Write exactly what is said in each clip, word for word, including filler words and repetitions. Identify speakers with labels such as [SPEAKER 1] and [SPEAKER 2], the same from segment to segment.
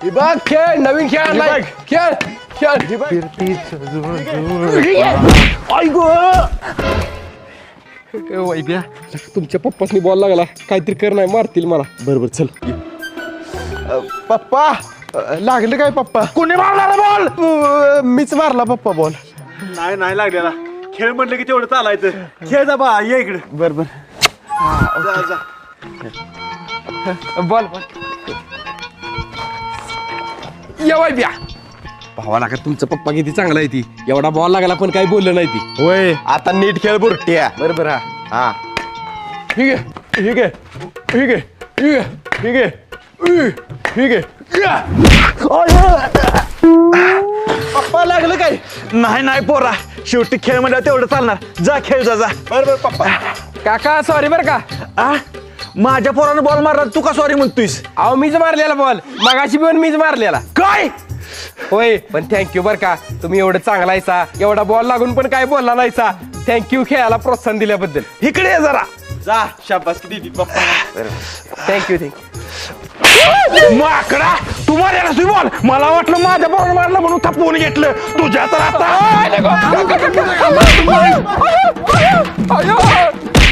[SPEAKER 1] बघ खेळ नवीन खेळ आणलाय खेळ खेळ वैद्या तुमच्या पप्पासनी बॉल लागला काहीतरी कर नाही मारतील मला.
[SPEAKER 2] बरोबर चल.
[SPEAKER 1] पप्पा लागलं काय पप्पा?
[SPEAKER 2] कोणी मारला बॉल?
[SPEAKER 1] मीच मारला पप्पा बॉल.
[SPEAKER 2] नाही नाही लागलेला. खेळ म्हटलं की तेवढं चालायचं. खेळ जा बा ये इकडे.
[SPEAKER 1] बरोबर
[SPEAKER 2] जा जा.
[SPEAKER 1] बॉल या वैद्या भावाला का तुमचा पप्पा किती चांगला आहे ती. एवढा बॉल लागला पण काही बोललं नाही ती.
[SPEAKER 2] होय आता नीट खेळ बुरट्या.
[SPEAKER 1] बरोबर हा
[SPEAKER 2] हा
[SPEAKER 1] ठीक आहे ठीक आहे ठीक आहे ठीक आहे ठीक आहे ठीक आहे. पप्पा लागलं काय?
[SPEAKER 2] नाही नाही पोरा शेवटी खेळ म्हणलं तेवढं चालणार. जा खेळ जा जा.
[SPEAKER 1] बरोबर पप्पा. काका सॉरी बरं का.
[SPEAKER 2] आ माझ्या पोरानं बॉल मारला तू का सॉरी म्हणतोयस?
[SPEAKER 1] अहो मीच मारलेला बॉल मगाशी पण मीच मारलेला.
[SPEAKER 2] काय?
[SPEAKER 1] होय पण थँक्यू बरं का तुम्ही एवढं चांगला आहेसा. एवढा बॉल लागून पण काय बोलला नाहीसा. थँक्यू खेळायला प्रोत्साहन दिल्याबद्दल.
[SPEAKER 2] इकडे ये जरा. जा शाबास दिदी पप्पा.
[SPEAKER 1] Thank you thank you.
[SPEAKER 2] माकडा तू मारला तुझी बॉल. मला वाटलं माझ्या बॉल मारला म्हणून थपवून घेतलं. तुझ्या तर आता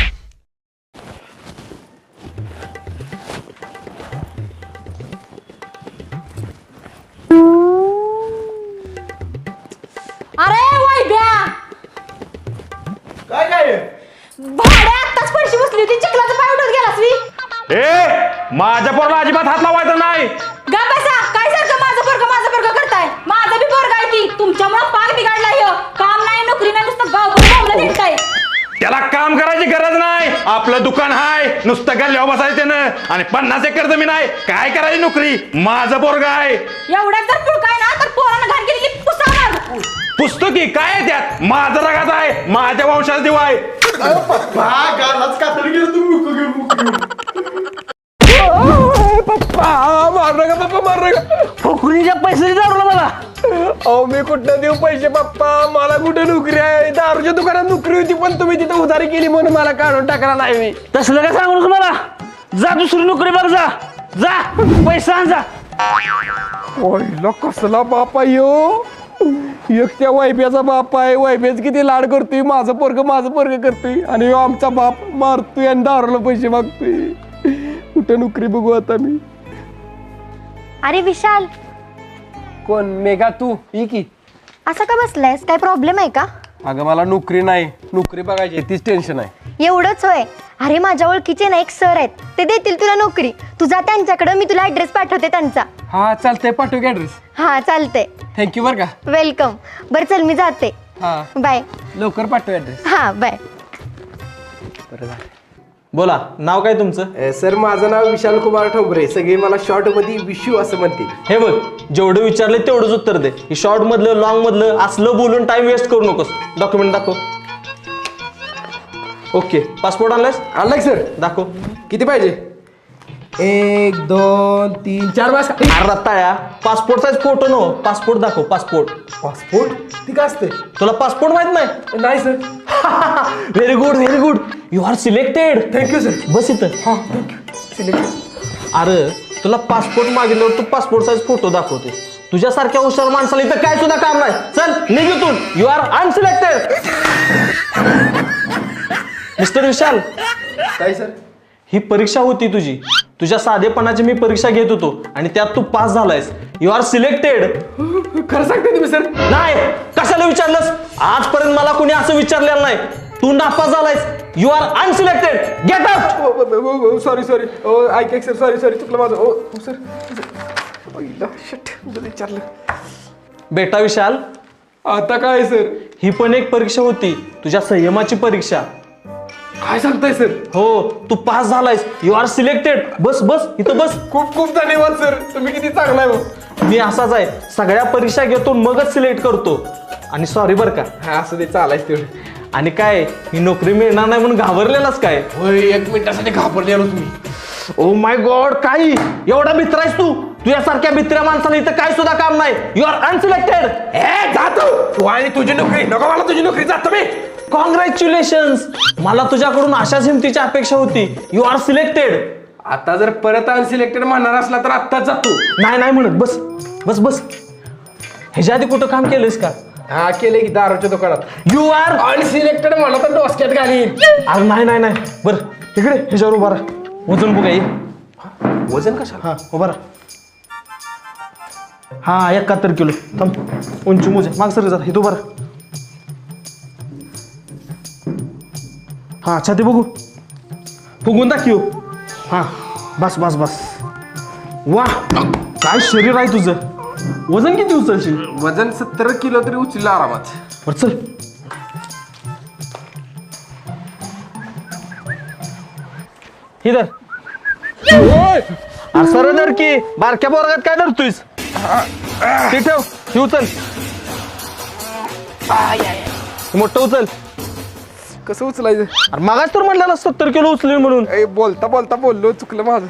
[SPEAKER 3] अरे वैद्या
[SPEAKER 2] काय काय
[SPEAKER 3] भाड्या आत्ताच पैसे बसली होती चिखलाचा पाय उडत गेलास मी.
[SPEAKER 2] ए माझ्या पोराला अजिबात हात लावायचा नाही.
[SPEAKER 3] गा बसा काय सारखं माझं पोरग माझं पोरग करताय. माझं बी पोरग आहे ती तुमच्यामुळे पाक बिघडला ह्यो. काम नाही नोकरी नाही नुसतं गावभर बोंबलं दिसताय.
[SPEAKER 2] त्याला काम करायची गरज नाही. आपलं दुकान हाय नुसतं गल्ल्यावर बसायचं त्यानं आणि पन्नास एकर जमीन आहे. काय करायची नोकरी? माझं पोरग आहे.
[SPEAKER 3] एवढ्यात जर पुळकाय ना तर पोरानं घाण केली की पुसावर.
[SPEAKER 2] पुस्तकी काय आहे त्यात? माझं रगात आहे. माझ्या वंशाचा दिवा आहे.
[SPEAKER 1] पप्पा मार नका पप्पा मार नका.
[SPEAKER 2] फुकणीच्या पैसे दारूला मला.
[SPEAKER 1] अहो मी कुठं देऊ पैसे पप्पा. मला कुठे नोकरी आहे. दारूच्या दुकानात नोकरी होती पण तुम्ही तिथं उधारी केली म्हणून मला काढून टाकला नाही मी.
[SPEAKER 2] तसलं काय सांगू मला. जा दुसरी नोकरी बघ. जा जा पैसा आण जा.
[SPEAKER 1] ओयला कसला बाप आहे ह्यो. एक त्या वैब्याचा बाप आहे. वैब्याच किती लाड करतोय. माझं पोरग माझं पोरग करतोय आणि ह्यो आमचा बाप मारतोय आणि दारूला पैसे मागतोय. कुठं नोकरी बघू आता मी.
[SPEAKER 4] अरे विशाल
[SPEAKER 1] कोण मेघा तू ही की.
[SPEAKER 4] असं का बसलायस? काय प्रॉब्लेम आहे का?
[SPEAKER 1] अगं मला नोकरी नाही. नोकरी बघायची तीच टेन्शन आहे.
[SPEAKER 4] एवढंच होय. अरे माझ्या ओळखीचे ना एक सर आहेत ते देतील तुला नोकरी. तू जा त्यांच्याकडे मी तुला ऍड्रेस पाठवते त्यांचा.
[SPEAKER 1] हा चालतंय पाठव की ऍड्रेस.
[SPEAKER 4] हा चालतंय.
[SPEAKER 1] थँक्यू बरं का.
[SPEAKER 4] वेलकम. बरं चल मी जाते.
[SPEAKER 1] हा
[SPEAKER 4] बाय.
[SPEAKER 1] लवकर पाठव ऍड्रेस.
[SPEAKER 4] हा बाय.
[SPEAKER 5] बोला नाव काय तुमचं?
[SPEAKER 1] सर माझं नाव विशाल कुमार ठोंबरे. सगळे मला शॉर्ट मध्ये विशू असं म्हणते.
[SPEAKER 5] हे बघ जेवढं विचारले तेवढंच उत्तर दे. ही शॉर्ट मधलं लॉंग मधलं असलं बोलून टाइम वेस्ट करू नकोस. डॉक्युमेंट दाखव. ओके पासपोर्ट आणलायस?
[SPEAKER 1] आणलाय सर.
[SPEAKER 5] दाखव.
[SPEAKER 1] किती पाहिजे? एक दोन तीन चार वाज.
[SPEAKER 5] अरे रत्ताळ्या passport size photo no. Passport दाखव. पासपोर्ट.
[SPEAKER 1] पासपोर्ट ती काय असते?
[SPEAKER 5] तुला पासपोर्ट माहित नाही?
[SPEAKER 1] नाही sir.
[SPEAKER 5] Very good very good. You are selected.
[SPEAKER 1] Thank you sir.
[SPEAKER 5] बस इथं.
[SPEAKER 1] हा थँक्यू.
[SPEAKER 5] अरे तुला पासपोर्ट मागितल्यावर तू पासपोर्ट साईज फोटो दाखवते. तुझ्यासारख्या हुशार माणसाला इथं काय सुद्धा काम नाही. चल निघ इथून. You are unselected. Mister Vishal
[SPEAKER 1] काय सर?
[SPEAKER 5] ही परीक्षा होती तुझी. तुझ्या साधेपणाची मी परीक्षा घेत होतो आणि त्यात तू पास झालायस. You are selected.
[SPEAKER 1] खरं सांगते तुम्ही सर?
[SPEAKER 5] नाही कशाला विचारलंस? आजपर्यंत मला कोणी असं विचारलेलं नाही. तू नापास झालायस. You are unselected. Get out.
[SPEAKER 1] Sorry sorry. ऐक सर. सॉरी सॉरी चुकलं माझं. ओ सर. शिट विचारलं.
[SPEAKER 5] बेटा विशाल
[SPEAKER 1] आता काय सर?
[SPEAKER 5] ही पण एक परीक्षा होती. तुझ्या संयमाची परीक्षा.
[SPEAKER 1] काय सांगताय सर?
[SPEAKER 5] हो तू पास झालायस. You are selected. बस बस इथं बस.
[SPEAKER 1] खूप खूप धन्यवाद सर. तुम्ही किती चांगला आहे मग.
[SPEAKER 5] मी असाच आहे. सगळ्या परीक्षा घेतो मगच सिलेक्ट करतो. आणि सॉरी बरं का.
[SPEAKER 1] हा असं ते चालायच तेवढं.
[SPEAKER 5] आणि काय ही नोकरी मिळणार नाही म्हणून घाबरलेलाच काय?
[SPEAKER 1] होय एक मिनिटासाठी घाबरलेलो तुम्ही.
[SPEAKER 5] ओ माय गॉड काय एवढा मित्र आहेस तू? तुझ्यासारख्या मित्र्या माणसाला इथं काय सुद्धा काम नाही. You are unselected.
[SPEAKER 1] ए जातो तू आणि तुझी नोकरी. नको मला तुझी नोकरी. जातो मी.
[SPEAKER 5] कॉंग्रॅच्युलेशन्स. मला तुझ्याकडून अशाच हिमतीची अपेक्षा होती. You are selected.
[SPEAKER 1] आता जर परत अनसिलेक्टेड म्हणणार असला तर आत्ताच जातो.
[SPEAKER 5] नाही नाही म्हणत बस बस बस. ह्याच्या आधी कुठं काम केलंयस का?
[SPEAKER 1] हा केले की दारूच्या दुकानात.
[SPEAKER 5] यू आर
[SPEAKER 1] अनसिलेक्टेड म्हणा तर डोसक्यात घालीन.
[SPEAKER 5] अरे नाही नाही नाही बर इकडे ह्याच्यावर उभा राहा. वजन बघा ये.
[SPEAKER 1] वजन कशाला?
[SPEAKER 5] हा उभा राहा. हा एकाहत्तर किलो. थांब उंची मोजे माग सर जरा हे उभा राहा. हा छाती बघू फुगून दाखव. हा बस बस बस. वा काय शरीर आहे तुझं. वजन किती उचलशील?
[SPEAKER 1] वजन सत्तर किलो तरी उचललं आरामात.
[SPEAKER 5] बर चल. इधर सर धर की बारक्या बोरगात काय धरतोयस? ते ठेव हे उचल. मोठं उचल.
[SPEAKER 1] कसं उचलायचं?
[SPEAKER 5] अरे मागाच तर म्हणलं सत्तर किलो उचलेल म्हणून.
[SPEAKER 1] ए, बोलता बोलता बोललो चुकलं माझं.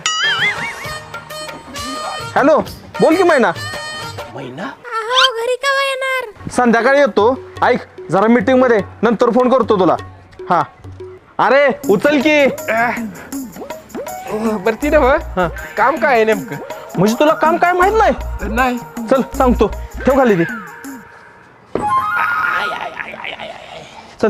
[SPEAKER 5] हॅलो बोल की मैना.
[SPEAKER 1] महिना
[SPEAKER 3] घरी केव्हा येणार?
[SPEAKER 5] संध्याकाळी येतो. ऐक जरा मीटिंग मध्ये नंतर फोन करतो तुला. हा अरे उचल की.
[SPEAKER 1] बरं ती ना काम काय आहे नेमकं?
[SPEAKER 5] म्हणजे तुला काम काय माहित नाही?
[SPEAKER 1] नाही.
[SPEAKER 5] चल सांगतो. ठेव खाली ती. चल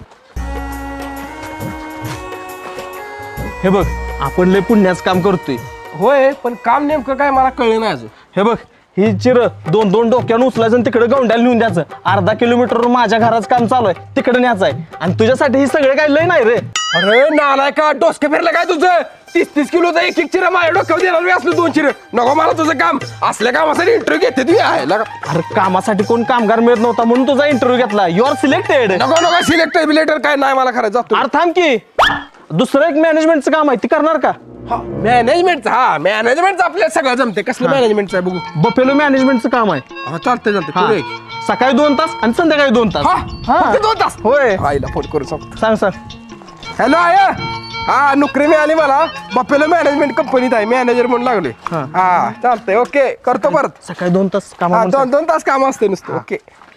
[SPEAKER 5] हे बघ आपण लय पुण्याचं काम करतोय.
[SPEAKER 1] होय पण काम नेमकं काय मला कळलं नाही अजून.
[SPEAKER 5] हे बघ ही चिर दोन दोन डोक्यानं उचलायचं आणि तिकडे गवंड्याला नेऊन द्यायचं. अर्धा किलोमीटरवर माझ्या घराचं काम चालू आहे तिकडे न्यायचं आहे. आणि तुझ्यासाठी हे सगळे काय लय नाही रे.
[SPEAKER 1] अरे नालाय का डोसकं फिरलं काय तुझं? तीस तीस किलोचं एक एक चिर माझ्या डोक्यावर देणार मी असलं दोन चिर नको मला तुझं काम. असल्या कामासाठी इंटरव्ह्यू घेते तुम्ही आहे लगा.
[SPEAKER 5] अरे कामासाठी कोण कामगार मिळत नव्हता म्हणून तुझा इंटरव्ह्यू घेतला. You are selected.
[SPEAKER 1] नको नको सिलेक्टर बिलेक्टर काय नाही मला खरं जातो.
[SPEAKER 5] अरे थांब की दुसरं एक मॅनेजमेंटचं काम आहे ती करणार का?
[SPEAKER 1] मॅनेजमेंटचं हा मॅनेजमेंटचं आपल्याला सगळं जमते. कसलं मॅनेजमेंटचं आहे बघू.
[SPEAKER 5] बफेलो मॅनेजमेंटचं काम आहे.
[SPEAKER 1] हा चालतंय चालतंय
[SPEAKER 5] हा.
[SPEAKER 1] पुढे एक.
[SPEAKER 5] सकाळी दोन तास आणि संध्याकाळी दोन तास.
[SPEAKER 1] हा
[SPEAKER 5] हा.
[SPEAKER 1] फक्त दोन तास.
[SPEAKER 5] होय
[SPEAKER 1] आईला फोन करू सांग.
[SPEAKER 5] सांग सांग.
[SPEAKER 1] हॅलो आय हा नोकरी मिळाली मला. बफेलो मॅनेजमेंट कंपनीत आहे मॅनेजर म्हणून लागले.
[SPEAKER 5] हा.
[SPEAKER 1] हा चालतंय ओके करतो परत.
[SPEAKER 5] सकाळी दोन तास काम.
[SPEAKER 1] हा दोन दोन तास काम असते नुसतं. Okay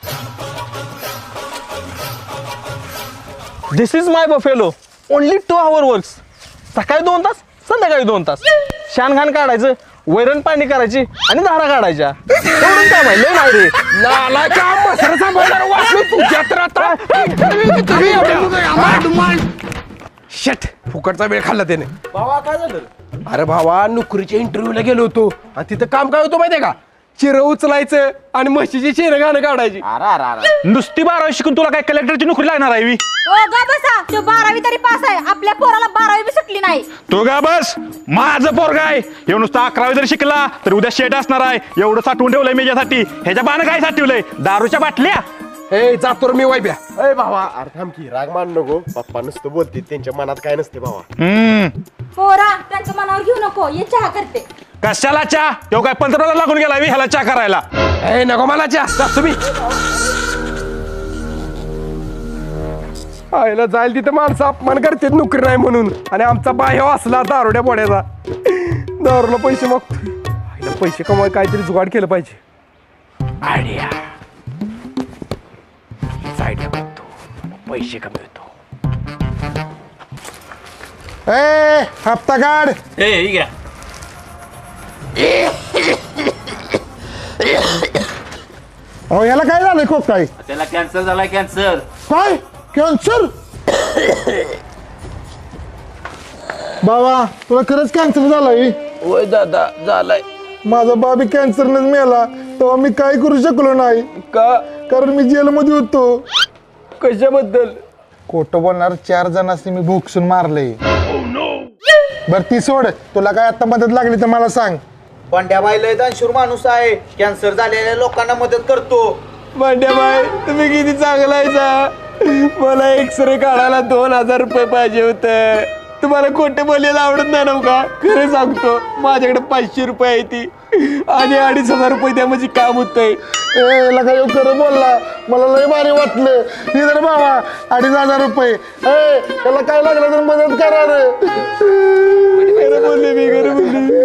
[SPEAKER 5] this is my buffalo only two hour works. सकाळी दोन तास संध्याकाळी दोन तास. शान घाण काढायचं वैरण पाणी करायची आणि धारा काढायच्या. एवढंच काम आहे लय नाही रे.
[SPEAKER 1] नालाय का मसर सांभाळणार वाचलो तुझ्या तर आता. शट फुकटचा वेळ खाल्ला त्याने.
[SPEAKER 5] भावा काय झालं?
[SPEAKER 1] अरे भावा नोकरीच्या इंटरव्ह्यूला गेलो होतो आणि तिथं काम काय होतं माहितीये का? चिरं उचलायचं आणि म्हशीची शेण घाणं काढायची.
[SPEAKER 5] नुसती बारावी शिकून तुला काय कलेक्टरची नोकरी लागणार आहे वी?
[SPEAKER 3] ओ गा बसा. तो बारावी तरी पास आहे. आपल्या पोराला बारावी बी सुटली नाही.
[SPEAKER 2] तो का बस माझं पोरग आहे. एवढं नुसतं अकरावी जर शिकला तर उद्या शेट असणार आहे. एवढं साठवून ठेवलंय मी यासाठी. ह्याच्या बाण काय साठवलंय? दारूच्या बाटल्या.
[SPEAKER 1] हे जातो रे मी वायब्या.
[SPEAKER 6] अरे भावा अरे थांब की राग मान नको. पप्पा नुसतं बोलते त्यांच्या मनात काय नसते भावा.
[SPEAKER 2] हम्म
[SPEAKER 3] पोरा त्यांचं मनावर घेऊ नको. ये चहा करते.
[SPEAKER 2] कशाला चहा? तो काय पंतप्रधान लागून गेला मी ह्याला चहा करायला.
[SPEAKER 1] हे नको मला च्या जातो मी. आईला जाईल तिथं माणसं अपमान करते नोकरी नाही म्हणून. आणि आमचा बाह्य असला दारुड्या बोड्याचा दारूला पैसे मागतो. आईला पैसे कमवाय काहीतरी जुगाड केलं पाहिजे. आयडिया आयडिया बघतो पैसे कमवतो.
[SPEAKER 6] ए हप्ता काढ. अहो याला काय झालंय खूप काय?
[SPEAKER 7] त्याला कॅन्सर झालाय. कॅन्सर
[SPEAKER 6] काय कॅन्सर? बाबा तुला खरंच कॅन्सर झालाय?
[SPEAKER 1] होय दादा झालाय.
[SPEAKER 6] माझा बाबी कॅन्सरनेच मेला तेव्हा मी काय करू शकलो नाही
[SPEAKER 1] का?
[SPEAKER 6] कारण मी जेलमध्ये होतो.
[SPEAKER 1] कशाबद्दल?
[SPEAKER 6] खोटं बोलणार चार जणांनी मी भोगसून मारले. बर ती सोड. तुला काय आता मदत लागली तर मला सांग.
[SPEAKER 7] पंड्याबाई लय दानशूर माणूस आहे. कॅन्सर झालेल्या लोकांना मदत करतो.
[SPEAKER 1] भांड्याबाई तुम्ही किती चांगला आहे. मला एक्सरे काढायला दोन हजार रुपये पाहिजे होते. तुम्हाला खोटं बोलायला आवडत नाही ना का? खरं सांगतो माझ्याकडे पाचशे रुपये आहे ती आणि अडीच हजार रुपये द्या म्हणजे काम होतंय.
[SPEAKER 6] ए लगा येऊ खरं बोलला. मला लय भारी वाटलं. इधर बाबा अडीच हजार रुपये. ए त्याला काय लागलं तर मदत करा रे.
[SPEAKER 1] खरं बोलले मी खरं बोलले.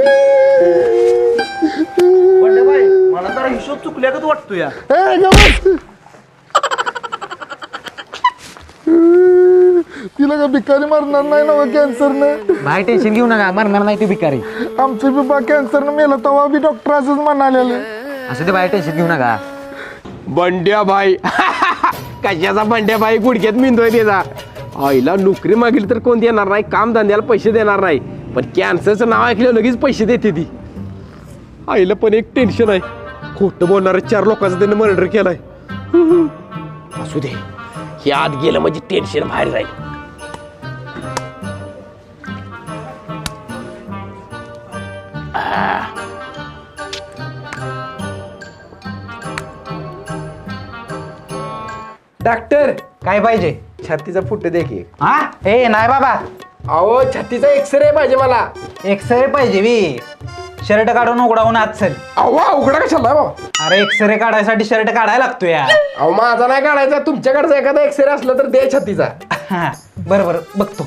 [SPEAKER 7] पंड्याबाई मला जरा हिशोब चुकल्यागत वाटतो या.
[SPEAKER 6] ए गवस तिला का भिकारी मारणार नाही ना कॅन्सरनं?
[SPEAKER 8] भाई टेन्शन घेऊ नका, मरणार नाही तू भिकारी.
[SPEAKER 6] आमचं बी बा कॅन्सरनं मेलं तेव्हा बी डॉक्टर असंच म्हणालेलं.
[SPEAKER 8] असं ते भाई टेन्शन घेऊ नका.
[SPEAKER 1] बंड्या भाई कशाचा बंड्या भाई गुडघ्यात मिंदोय त्याचा. आईला नोकरी मागितली तर कोण देणार नाही, काम धंद्याला पैसे देणार नाही, पण कॅन्सरचं नाव ऐकलं लगेच पैसे देते ती. आईला पण एक टेन्शन आहे, खोटं बोलणाऱ्या चार लोकांचा त्यानं मर्डर केलाय. असू दे, हे आत गेलं म्हणजे टेन्शन बाहेर जाईल. डॉक्टर
[SPEAKER 8] काय पाहिजे?
[SPEAKER 1] छातीचा फुट दे की.
[SPEAKER 8] हा ए नाही बाबा,
[SPEAKER 1] अहो छातीचा एक्सरे पाहिजे मला.
[SPEAKER 8] एक्सरे पाहिजे बी. शर्ट काढून उघडावून आत चल.
[SPEAKER 1] अहो उघडा कशाला भाऊ?
[SPEAKER 8] अरे एक्सरे काढायसाठी शर्ट काढायला लागतो या.
[SPEAKER 1] अहो माझा नाही काढायचा, तुमच्याकडचा एखादा एक्सरे असला तर दे छातीचा.
[SPEAKER 8] हा बरं बरं बघतो.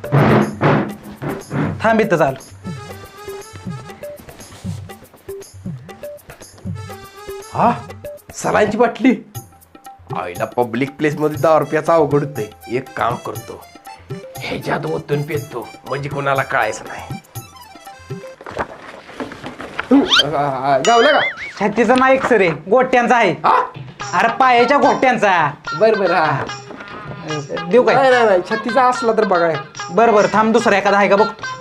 [SPEAKER 8] थांब इथं चालू.
[SPEAKER 1] हा सलांची बाटली. आईला पब्लिक प्लेस मध्ये दहा रुपयाचा अवघड होतंय. एक काम करतो, ह्याच्यात ओतून पेतो म्हणजे कोणाला कळायचं नाही. गावलं का?
[SPEAKER 8] छातीचा नाही एक्सरे, गोट्यांचा आहे.
[SPEAKER 1] हा
[SPEAKER 8] अरे पायाच्या गोट्यांचा.
[SPEAKER 1] बर बर. हा
[SPEAKER 8] देऊ काय?
[SPEAKER 1] नाही नाही नाही, छातीचा असला तर बघा.
[SPEAKER 8] बरं बरं थांब, दुसरा एखादा आहे का बघतो.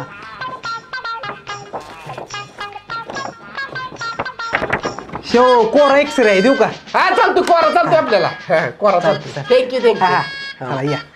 [SPEAKER 8] शेव कोरा एक्सरे आहे, देऊ का?
[SPEAKER 1] हा चालतो, कोरा चालतो आपल्याला. हा, कोरा चालतो. थँक्यू
[SPEAKER 8] हा हा.
[SPEAKER 1] थँक्यू.
[SPEAKER 8] चला या.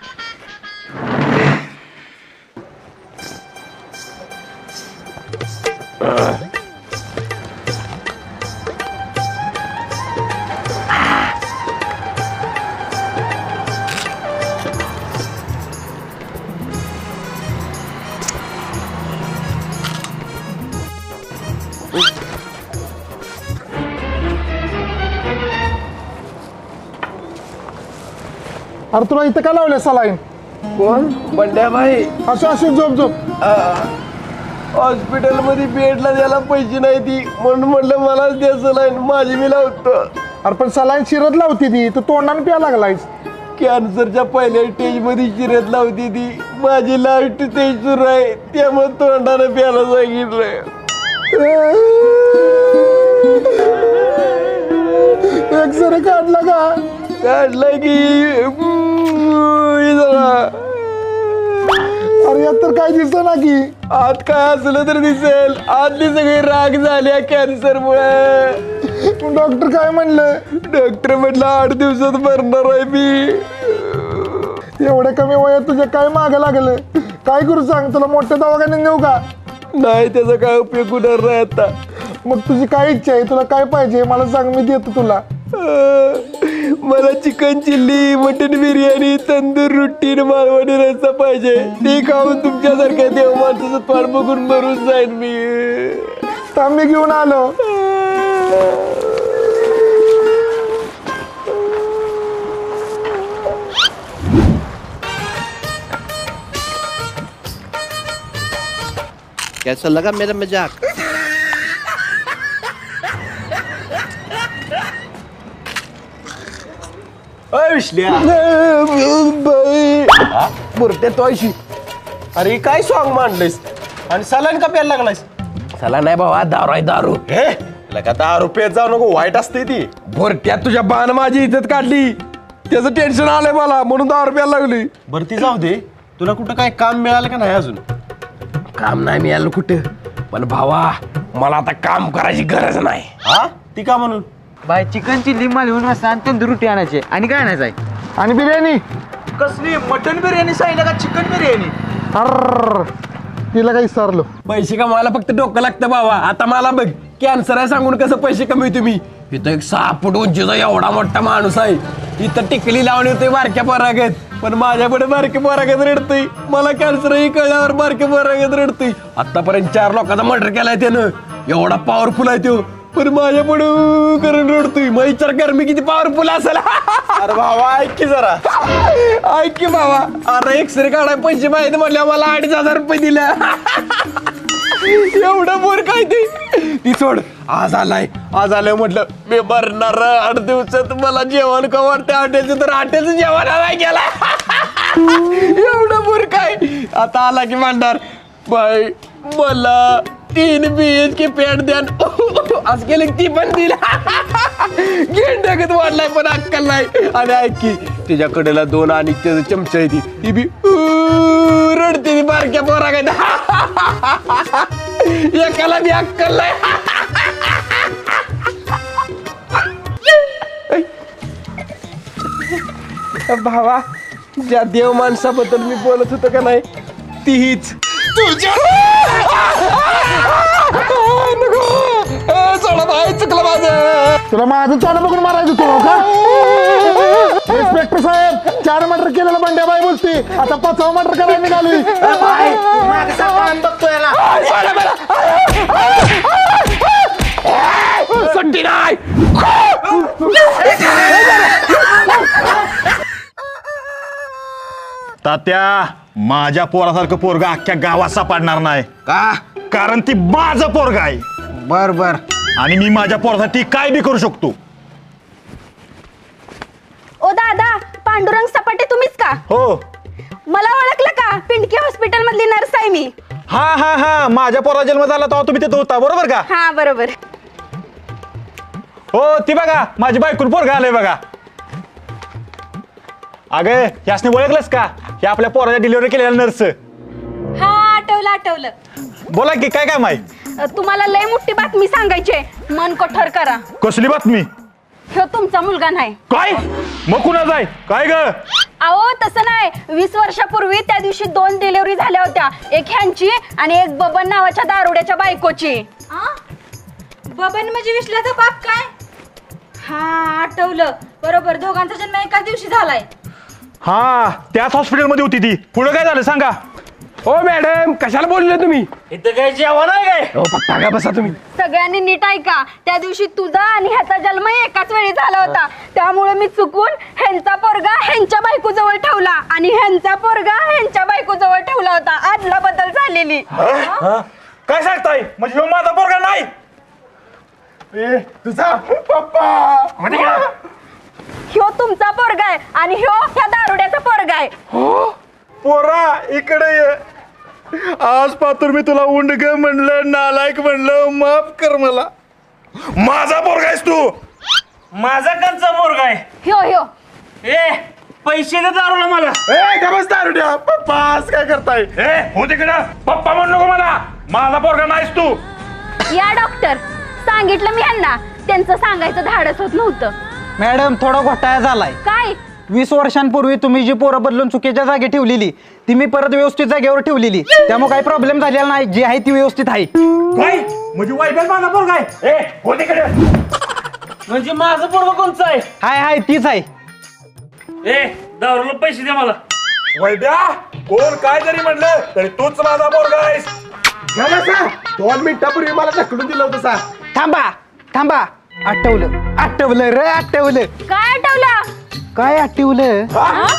[SPEAKER 6] अरे तुला इथं का लावलं सलाईन?
[SPEAKER 1] कोण? बंड्या भाई.
[SPEAKER 6] असं असं झोप झोप.
[SPEAKER 1] हॉस्पिटल मध्ये बेडला द्यायला पैसे नाही ती, म्हणून म्हणलं मलाच द्यायचं नाही, माझी मी लावतो.
[SPEAKER 6] अरे पण सलाईन शिरत लावती ती, तू तोंडाने प्या लागलायस.
[SPEAKER 1] कॅन्सरच्या पहिल्या स्टेज मध्ये शिरत लावती ती, माझी लास्ट स्टेज सुरू आहे, त्यामुळे तोंडानं प्यायला सांगितलंय.
[SPEAKER 6] एक्सरे काढला का?
[SPEAKER 1] काढलं की
[SPEAKER 6] अरे यात तर काय दिसत ना की.
[SPEAKER 1] आत काय असलं तर दिसेल, आतली सगळी राग झाल्या कॅन्सर मुळे.
[SPEAKER 6] डॉक्टर काय म्हणलं?
[SPEAKER 1] डॉक्टर म्हटलं आठ दिवसात मरणार आहे मी.
[SPEAKER 6] एवढ्या कमी वयात तुझ्या काय मागं लागलं? काय करू सांग, तुला मोठ्या दवाखान्यात नेऊ का?
[SPEAKER 1] नाही त्याचा काय उपयोग होणार नाही आता.
[SPEAKER 6] मग तुझी काय इच्छा आहे, तुला काय पाहिजे मला सांग, मी देतो तुला.
[SPEAKER 1] अं, मला chicken chilli, mutton biryani, tandoor रोटी, मालवणी रस्सा पाहिजे. ते खाऊन तुमच्यासारख्या देव माणसाचं पाठ बघून मरून जाईन मी.
[SPEAKER 6] थांब मी घेऊन आलो.
[SPEAKER 9] कैसा लगा मेरा मजाक?
[SPEAKER 1] बुरट्या तो ऐशी.
[SPEAKER 5] अरे काय सॉंग मांडलंयस आणि सलाईन का प्यायला लागलायस?
[SPEAKER 1] चला नाही बाबा, दारू आहे दारू.
[SPEAKER 5] हे लगा दहा रुपयात जाऊ नको, वाईट असते ती.
[SPEAKER 1] बुरट्यात तुझ्या बाण माझी इज्जत काढली, त्याचं टेन्शन आलंय मला, म्हणून दारू प्यायला लागली.
[SPEAKER 5] बरं ती जाऊ दे, तुला कुठं काय काम मिळालं का नाही अजून?
[SPEAKER 1] काम नाही मिळालं कुठं, पण भावा मला आता काम करायची गरज नाही.
[SPEAKER 5] हा ती का म्हणून?
[SPEAKER 8] बाय चिकन चिल्ली मालवून रस्सा आणि तंदूर रोटी आणायचे. आणि काय आणायचं आहे?
[SPEAKER 6] आणि बिर्याणी.
[SPEAKER 5] कसली मटन बिर्याणी सांगितलं का चिकन बिर्याणी?
[SPEAKER 6] अर तिला काही विसरलो.
[SPEAKER 1] पैसे कमवायला फक्त डोकं लागतं बाबा. आता मला बघ, कॅन्सर आहे सांगून कसं पैसे कमी तुम्ही. इथं एक सहा फूट उंचीचा एवढा मोठा माणूस आहे, इथं टिकली लावणी होते बारक्या पोरागत, पण माझ्यापुढे बारके पोरागत रडतोय. मला कॅन्सर ही कळल्यावर बारके पोरागत रडतोय. आतापर्यंत चार लोकांचा मर्डर केलाय त्यानं, एवढा पॉवरफुल आहे तो, पण माझ्या पुढे करून रडतोय. मग विचार कर मी किती पॉवरफुल असेल.
[SPEAKER 5] अरे भावा ऐक की जरा.
[SPEAKER 1] ऐक की बाबा, अरे एक्सरे काढाय पैसे माहिती म्हटल्या मला अडीच हजार रुपये दिले. एवढं बोर काय ते ती सोड. आज आलाय, आज आलाय म्हटलं मी मरणार आठ दिवसात, मला जेवण का वाटतं हॉटेलचं, तर हॉटेलचं जेवण आलाय गेला. एवढं मूर्ख आहे. आता आला की म्हणणार बाई मला तीन बी एच के पॅट द्या असं केलं की ती पण दिला घेऊन टाकत वाढलाय पण अक्कल नाही. आणि ऐक की तिच्याकडेला दोन आणि त्याचं चमचा आहे ती ती बी उ- रडते ती बारक्या पोरा काय एकाला बी अक्कल नाही. भावा ज्या देव माणसाबद्दल मी बोलत होतो का नाही ती हीच तुझ्या चढा बाई चुकलं माझं.
[SPEAKER 6] तुला माझं चालू बघून मारायचं तू का इन्स्पेक्टर साहेब चार मर्डर केलेला बंड्याबाई बोलते आता पाचवा मर्डर करायला निघाली.
[SPEAKER 1] सुट्टी नाही.
[SPEAKER 2] तात्या माझ्या पोरासारखं पोरगा अख्ख्या गावात सापडणार नाही का कारण ती माझं पोरग आहे.
[SPEAKER 8] बर बर.
[SPEAKER 2] आणि मी माझ्या पोरासाठी काय बी करू शकतो.
[SPEAKER 4] ओ दादा पांडुरंग सपाटे तुम्हीच का?
[SPEAKER 5] हो.
[SPEAKER 4] मला ओळखलं का? पिंडकी हॉस्पिटल मधली नर्स आहे मी.
[SPEAKER 5] हा हा हा माझ्या पोरा जन्म झाला तेव्हा तुम्ही तिथं होता बरोबर का?
[SPEAKER 4] हा बरोबर.
[SPEAKER 5] हो ती बघा माझी बायकून पोरगा आलंय बघा. अगं यासने ओळखलंस का? हे आपल्या पोराच्या डिलिव्हरी केलेल्या नर्स.
[SPEAKER 3] हा आठवलं आठवलं.
[SPEAKER 5] बोला की काय काम आहे?
[SPEAKER 4] अ, तुम्हाला लय मोठी बातमी सांगायची आहे. मन कठोर करा.
[SPEAKER 2] कसली बातमी?
[SPEAKER 4] ह्यो तुमचा मुलगा नाही.
[SPEAKER 2] काय मग कुणाचा आहे काय ग?
[SPEAKER 4] अहो तसं नाही. वीस वर्षापूर्वी त्या दिवशी दोन डिलिव्हरी झाल्या होत्या. एक ह्यांची आणि एक बबन नावाच्या दारुड्याच्या बायकोची.
[SPEAKER 3] आ? बबन म्हणजे विश्लाचा बाप काय? हा आठवलं बरोबर. दोघांचा जन्म एकाच दिवशी झालाय.
[SPEAKER 2] हा त्याच हॉस्पिटलमध्ये होती ती. पुढं काय झालं सांगा.
[SPEAKER 1] हो मॅडम कशाला बोलले तुम्ही?
[SPEAKER 5] इथं काय जेवण आहे काय?
[SPEAKER 1] हो पप्पा का बसा तुम्ही.
[SPEAKER 4] सगळ्यांनी नीट ऐका. त्या दिवशी तुझा आणि ह्याचा जन्म एकाच वेळी झाला होता. त्यामुळे मी चुकून ह्यांचा पोरगा ह्यांच्या बायको जवळ ठेवला आणि ह्यांचा पोरगा ह्यांच्या बायको जवळ ठेवला होता. आदला बदल झालेली.
[SPEAKER 2] काय सांगताय म्हणजे ह्यो माझा पोरगा नाही?
[SPEAKER 1] तुझा पप्पा
[SPEAKER 4] ह्यो तुमचा पोरगा आहे आणि ह्यो ह्या दारुड्याचा पोरगा आहे.
[SPEAKER 2] पोरा इकडे ये. आज पातूर मी तुला उंडग म्हणलं नालायक म्हणलं माफ कर मला. माझा पोरगा आहेस तू.
[SPEAKER 5] माझा कंचा पोरगा आहे.
[SPEAKER 4] ह्यो ह्यो
[SPEAKER 5] ए पैसे दे दारूला मला.
[SPEAKER 1] ए का बस दारुड्या पप्पा आज काय करताय?
[SPEAKER 2] ए हो तिकडं पप्पा म्हणू नको मला. माझा पोरगा नाहीस तू.
[SPEAKER 4] या डॉक्टर सांगितलं मी ह्यांना. त्यांचं सांगायचं धाडस होत नव्हतं.
[SPEAKER 8] मॅडम थोडा घोटाळा झालाय.
[SPEAKER 4] काय?
[SPEAKER 8] वीस वर्षांपूर्वी तुम्ही जी पोरं बदलून चुकीच्या जागी ठेवलेली ती मी परत व्यवस्थित जागेवर ठेवलेली. त्यामुळे काही प्रॉब्लेम झालेला नाही. जी आहे ती व्यवस्थित आहे.
[SPEAKER 2] काय म्हणजे वाईबल माझा पोरगा आहे? ए हो तिकडे.
[SPEAKER 5] म्हणजे माझं पोरगा कोणचं आहे?
[SPEAKER 8] हाय हाय तीच आहे.
[SPEAKER 5] ए दारूला पैसे दे मला.
[SPEAKER 2] वैद्या कोण काय जरी म्हणलं तरी तूच माझा पोरगा आहेस.
[SPEAKER 1] घ्या बसा. दोन मिनिटापूर्वी मला ढकलून दिलं होतं सा.
[SPEAKER 8] थांबा थांबा आठवलं आठवलं रे आठवलं.
[SPEAKER 4] काय आठवलं?
[SPEAKER 8] काय आठवलं?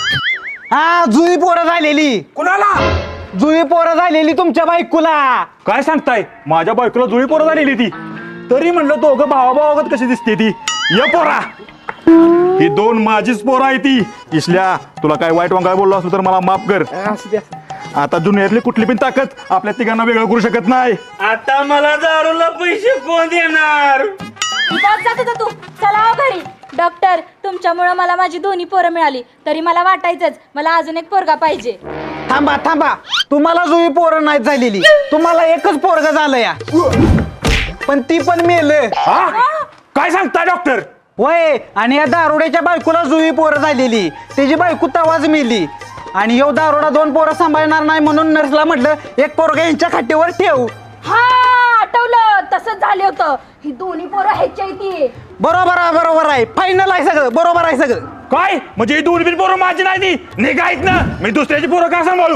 [SPEAKER 8] हा जुई पोरं झालेली.
[SPEAKER 2] कुणाला?
[SPEAKER 8] जुई पोरं झालेली तुमच्या बायकोला.
[SPEAKER 2] काय सांगताय? माझ्या बायकोला जुळी पोरं झालेली ती. तरी म्हणलं दोघं भावा भावागत कशी दिसते ती. ये पोरा ही दोन माझीच पोरं आहे ती. इसल्या तुला काय वाईट वांगाय बोललो असलो तर मला माफ कर.
[SPEAKER 1] असू द्या.
[SPEAKER 2] आता दुनियातली कुठली पण ताकद आपल्या तिघांना वेगळं करू शकत नाही.
[SPEAKER 5] आता मला दारूला पैसे कोण देणार?
[SPEAKER 3] बस जात होता तू. चला हो घरी. डॉक्टर तुमच्यामुळे मला माझी दोन्ही पोरं मिळाली तरी मला वाटायचंच मला अजून एक पोरगा पाहिजे.
[SPEAKER 8] थांबा थांबा तुम्हाला जुई पोरं नाही झालेली. तुम्हाला एकच पोरग झालं या. पण ती पण मेलं.
[SPEAKER 2] हा? काय सांगताय डॉक्टर?
[SPEAKER 8] वय आणि या दारुड्याच्या बायकोला जुई पोरं झालेली. त्याची बायको तवाच मेली. आणि यो दारुडा दोन पोरं सांभाळणार नाही म्हणून नर्सला म्हटलं एक पोरगा यांच्या खाटीवर ठेव.
[SPEAKER 4] हा आठवलं. तसंच झालं होतं. ही दोन्ही पोरं ह्याच्या इथे.
[SPEAKER 8] बरोबर आहे बरोबर आहे. फायनल आहे सगळं. बरोबर आहे सगळं.
[SPEAKER 2] काय म्हणजे ही दोन बिन पोरं माझी नाही ती. निघायत ना मी दुसऱ्याची पोरं का सांभाळू?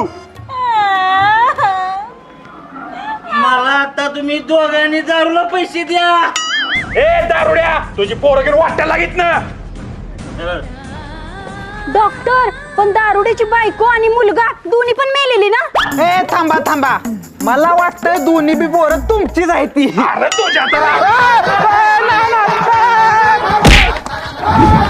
[SPEAKER 5] मला आता तुम्ही दोघांनी दारूला पैसे द्या.
[SPEAKER 2] ए दारुड्या तुझी पोरं घेऊन वाटायला लागित ना.
[SPEAKER 4] डॉक्टर पण दारुड्याची बायको आणि मुलगा दोन्ही पण मेलेली ना?
[SPEAKER 8] ए थांबा थांबा मला वाटतंय दोन्ही बी पोरं तुमचीच आहे ती.
[SPEAKER 2] अरे तुझ्या तर